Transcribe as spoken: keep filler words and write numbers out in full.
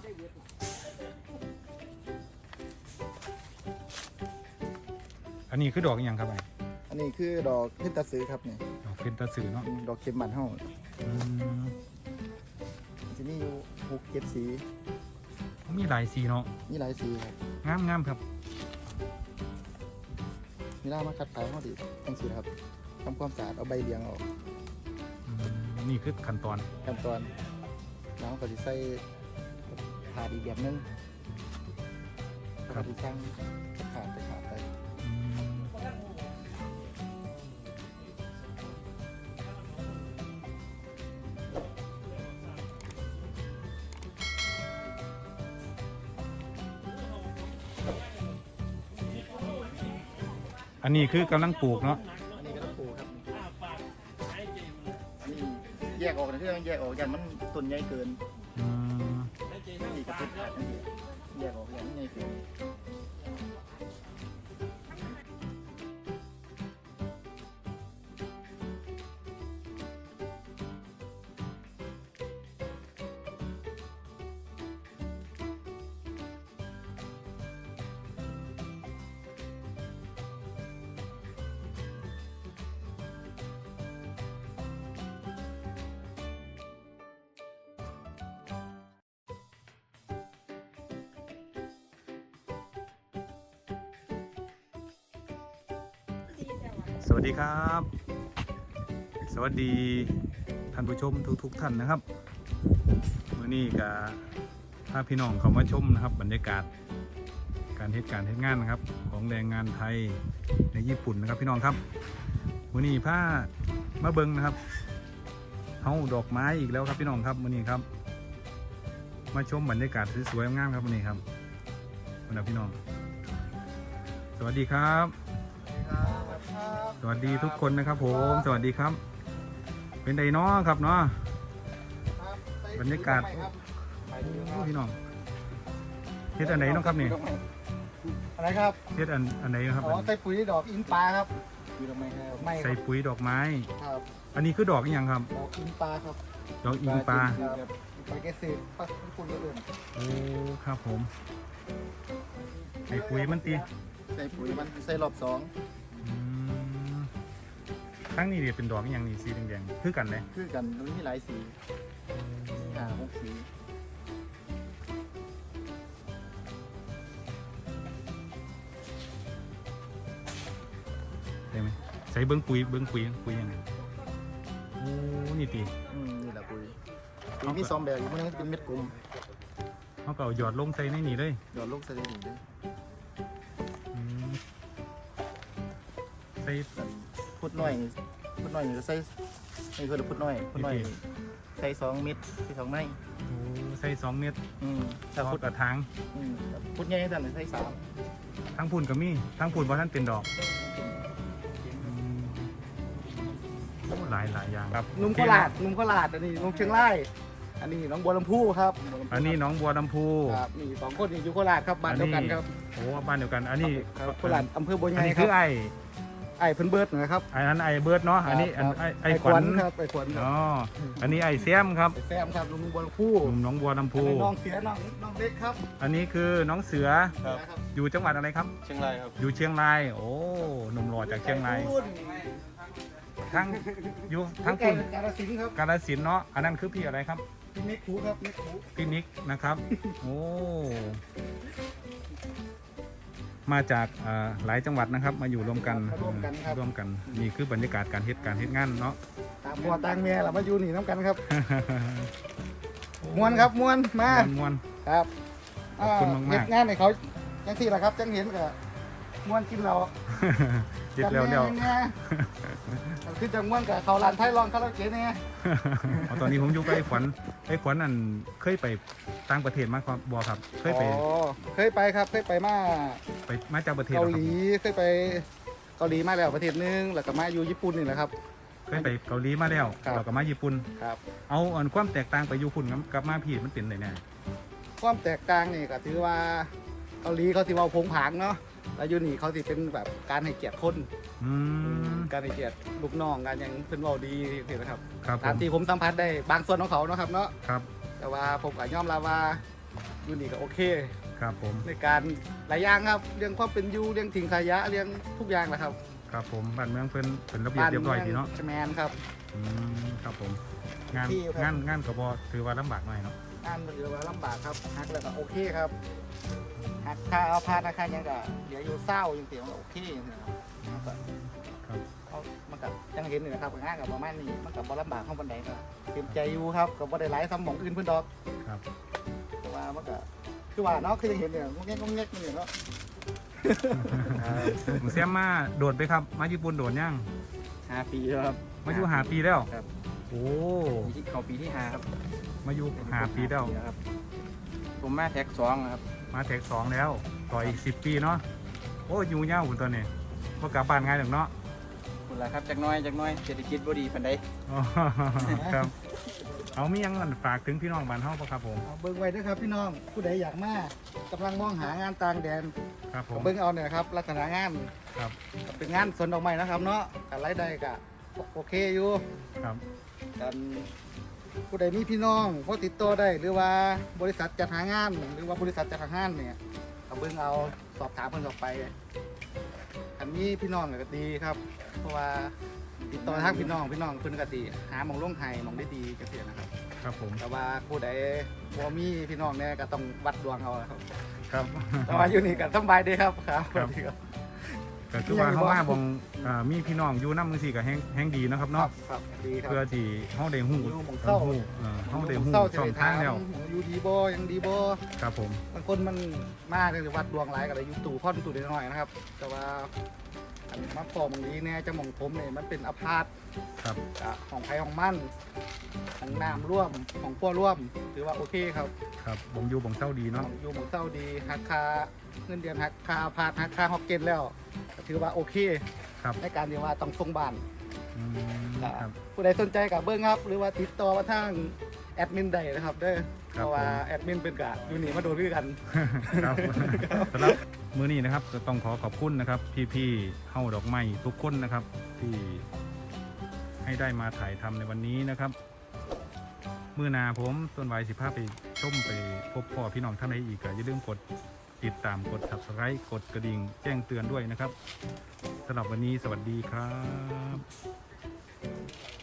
อันนี้คือดอกอหย่างครับไอ้อันนี้คือดอกเพนตาซื้อครับเนี่ยดอกเพนตาสือเนาะดอกเข็มบันเฮาอืมจะมีอยู่หกเจ็ดสีมีหลายสีเนาะมีหลายสีครับงามงามครับมีล่ามาคัดขายเฮาดิจังสีครับทำความสะอาดเอาใบเลี้ยงออกอืมนี่คือขั้นตอนขั้นตอนน้ำก็จะใส่ถาดอีกแบบนึงครับที่ช่างขาดไปขาดไปอืมอันนี้คือกำลังปลูกเนาะอันนี้ก็ต้องปลูกครับอันนี้แยกออกนะที่ต้องแยกออกอย่างมันต้นใหญ่เกินอืมนี่ก็เป็นขาดนั่นเองแยกออกอย่างมันใหญ่เกินสวัสดีครับ สวัสดีท่านผู้ชมทุกๆทท่านนะครับวันนี้ก็ถ้าพี่น้องเขามาชมนะครับบรรยากาศการเทศการเทศงานนะครับของแรงงานไทยในญี่ปุ่นนะครับพี่น้องครับวันนี้ผ้ามาเบิงนะครับเฮาดอกไม้อีกแล้วครับพี่น้องครับวันนี้ครับมาชมบรรยากาศสวยๆงามครับวันนี้ครับวันนี้พี่น้องสวัสดีครับ สวัสดีทุกคนนะครับผมสวัสดีครับเป็นไดเนาะครับเนาะบรรยากาศโอ้พี่น้องเฮ็ดอันไหนเนาะครับนี่อะไรครับเฮ็ดอันอันไหนครับอ๋อใส่ปุ๋ยดอกอินปลาครับปุ๋ยดอกไม้ครับไม่ใส่ปุ๋ยดอกไม้ครับอันนี้คือดอกอหย่างครับดอกอินปลาครับดอกอิงปลาครับปลาเกษตรปักคุณก็เอื่นโอ้ครับผมใส่ปุ๋ยมันตีใส่ปุ๋ยมันใส่รอบสองอืมทั้งนี้เดี๋ยวเป็นดอกอหย่างนี้สีแดงๆคือกันเลยคือกันมันมีหลายสีห้าหกสีได้ไหมใส่เบิ้งปุ๋ยเบิ้งปุ๋ยปุ๋ยยังไงโอ้นี่ตีอืมนี่แหละปุ๋ยปุ๋ยมีซอมแบบอยู่มันเป็นเม็ดกลมเขาก็เอาหยอดลงใส่ในนี่เลยหยอดลูกใส่ได้ดีเลยอืมใส่พุดน้อยนี่พุดน้อยนี่ก็ใส่นี่คือพุดน้อยพุดน้อยนี่ใส่สองเม็ดใส่สองไม้โอ้ใส่สองเม็ดอืมถ้าถ้าพุพุดดกระถางอืมพุดใหญ่สั่นใส่สามทั้งพุ่นก็มีทั้งพุ่นเพราะท่านเป็นดอกอืมโอ้หลายหลายอย่างครับนุ่มโคราชนุ่มโคราชอันนี้นุ่มเชียงรายอันนี้น้องบัวลำพูครับอันนี้หน้องบัวลำพูครับนี่สองคนนี่อยู่โคราชครับบ้านเดียวกันครับโอ้บ้านเดียวกัน อันนี้ครับโคราชอำเภอบัวใหอันญ่นี้คคืรัอบ ไอ้ไอ้เพิ่นเบิร์ดนะครับไอ้นั้นไอ้เบิร์ดเนาะอันนี้อันครับไอ้ไอ้ขวัญครับไอ้ขวัญอ๋ออันนี้ไอ้เสียมครับไอ้แซมครับลุงบัวลำพูหนุ่มหน้องบัวลำพูอันนี้น้องเสียน้องน้องเล็กครับอันนี้คือน้องเสือครับอยู่จังหวัดอะไรครับเชียงรายครับอยู่เชียงรายโอ้หนุ่มหล่อจากเชียงรายทั้งอยู่ทั้งคุคุณ ณกาฬสินธุ์ครับกาฬสินธุ์เนาะอันนั้นคือพี่อะไรครับพี่นิกคูครับนิกคูพี่นิกนะครับ โอ้ มาจากอ่าหลายจังหวัดนะครับ มาอยู่รวมกันมาร่วมกันครับร่วมกัน นี่คือบรรยากาศการเฮ็ดการเฮ็ดงานเนาะตามพ่อตางเมียเรามาอยู่นี่น้ำกันครับมวนครับมวนมามวนมวนครับขอบคุณมากๆเฮ็ดงานให้เขาจังสี่แหละครับจังเห็นก็มวนกินเราเฮ็ดแล้วแล้วจังเนี่ยคือจังมวนกับเขาลานไทยลองคาราโอเกะเนี่ยเอาตอนนี้ผมอยู่กับไอ้ขวัญไอ้ขวัญอันเคยไปต่างประเทศมาครับบอครับ เคยไปอ๋อเคยไปครับเคยไปมาไปมาจากประเทศเกาเหรอหครับลีเคยไปเกาหลีมาแล้วประเทศนึงแล้วก็มาอยู่ญี่ปุ่นนี่แหละครับเคยไปเกาหลีมาแล้วครับเราก็มาญี่ปุ่นครับเอาอันความแตกต่างไปอยู่พุ่นกับกับมาพี่มันเป็นไงแน่ความแตกต่างนี่ก็ถือว่าเกาหลีเขาสิเว้าโผงผางเนาะแล้วอยู่นี่เขาสิเป็นแบบการให้เกียรติคนอืมการให้เกียรติลูกน้องการหยังเพิ่นเว้าดีเห็นไหมครับครับผตามมที่ผมสัมผัสได้บางส่วนของเขาเนาะครับเนาะครับแต่ว่าผมก็ยอมรับว่าอยู่นี่ก็โอเคครับผมในการหลายอย่างครับเรื่องความเป็นอยู่เรื่องทิ้งขยะเรื่องทุกอย่างนะครับครับผมบ้านเมืองเพิ่นเป็นระเบียบเรียบร้อยดีเนาะแมนครับอืมครับผมงานที่ครับงานงานก็บ่ถือว่าลำบากหน่อยเนาะงานมันเหลือว่าลำบากครับหักแล้วก็โอเคครับหักค่าเอาพาราคายังก็เหลืออยู่เศร้ายังเสียงโอเคอย่างเงี้ยครับครับเอามันกับยังเห็นอยู่นะครับงานกับประมาณนี้มันกับบ่ลำบากข้างบันไดก็เตรียมใจอยู่ครับกับบ่ได้หลายซ้ำหมองอื่นเพิ่นดอกครับแต่ว่ามันก็คือว่าเนาะคือยังเห็นเนี่ยงงแงกงงแงกนี่เนาะผมเสียมาโดดไปครับมาญี่ปุ่นโดดยังห้าปีแล้วครับมาอยู่หาปีแล้วครับโอ้ปีที่เขาปีที่ห้าครับมาอยู่หาปีแล้วครับ ผมมาแท็กสองครับมาแท็กสองแล้วต่ออีกสิบปีเนาะโอ้อยู่ยาวคุณตอนนี้ว่ากลับบ้านง่ายหรอกเนาะคุณล่ะครับจากหน้อยจากหน้อยเศรษฐกิจบ่ดีปานใดอ๋อครับเอามียังฝากถึงพี่น้องบ้านเฮาปะครับผมเอาเบิ่งไว้ด้วยครับพี่น้องผู้ใดอยากมากำลังมองหางานต่างแดนครับผมเบิ่งเอาเนี่ยครับลักษณะงานครับก็เป็นงานสวนดอกไม้นะครับเนาะการรายได้ก็โอเคอยู่ครับกันผู้ใดมีพี่น้องพอติดต่อได้หรือว่าบริษัทจัดหางาน หรือว่าบริษัทจัดหางานเนี่ยเอาเบิ่งเอาสอบถามเพิ่นออกไปอันนี้พี่น้องก็ดีครับ เพราะว่าติดต่อทางพี่น้องพี่น้องเพิ่นก็สิหาหมองลงไห้หมองได้ดีจังซี่นะครับครับผมแต่ว่าผู้ใดบ่มีพี่น้องเนี่ยก็ต้องวัดดวงเอาครับครับแต่ว่าอยู่นี่ก็สบายดีครับครับครับ ก็คือว่าเฮามาบองอ่ามีพี่น้องอยู่นำจังซี่ก็แฮงแฮงดีเนาะครับครัเนาะบครับดีครับเพื่อที่เฮาได้ฮู้อยู่หม้องเศร้าฮู้เอ่อเฮาได้ฮู้เศร้าช่องทางแล้วอยู่ดีบ่ยังดีบ่ครับผมบางคนมันมาเลยวัดดวงหลายก็เลยอยู่ตู่พ่อนตู่น้อยๆนะครับ แต่ว่าอันมาพอบางนี้เนี่ยจะหมองผมเนี่ยมันเป็นอพาร์ตครับกับของไผ่ของมันของน้ำร่วมของพัวร่วมถือว่าโอเคครับครับบ่งอยู่บ่งเศร้าดีเนาะอยู่หมองเศร้าดีหักค่าเงินเดือนหักค่าอพาร์ตหักค่าฮอกเก็ตแล้วก็ถือว่าโอเคครับในการที่ว่าต้องส่งบ้านอืมก็ครับผู้ใดสนใจกับเบิ้งครับ หรือว่าติดต่อมาทางแอดมินใดนะครับเด้อครัเพบราะว่าผมแอดมินเป็นกะอยู่นี่มาโดนด้วยกันครับสำหรับมื้อนี้นะครับก็ต้องขอขอบคุณนะครับ พี่ๆเฮาดอกไม้ทุกคนนะครับ ที่ให้ได้มาถ่ายทำในวันนี้นะครับมื้อหนาผมต้นไว้สิพาไปชมไปพบพ่อพี่น้องท่านใดอีกก็อย่าลืมกดติดตามกด ซับสไครบ์ กดกระดิ่งแจ้งเตือนด้วยนะครับสำหรับวันนี้สวัสดีครับ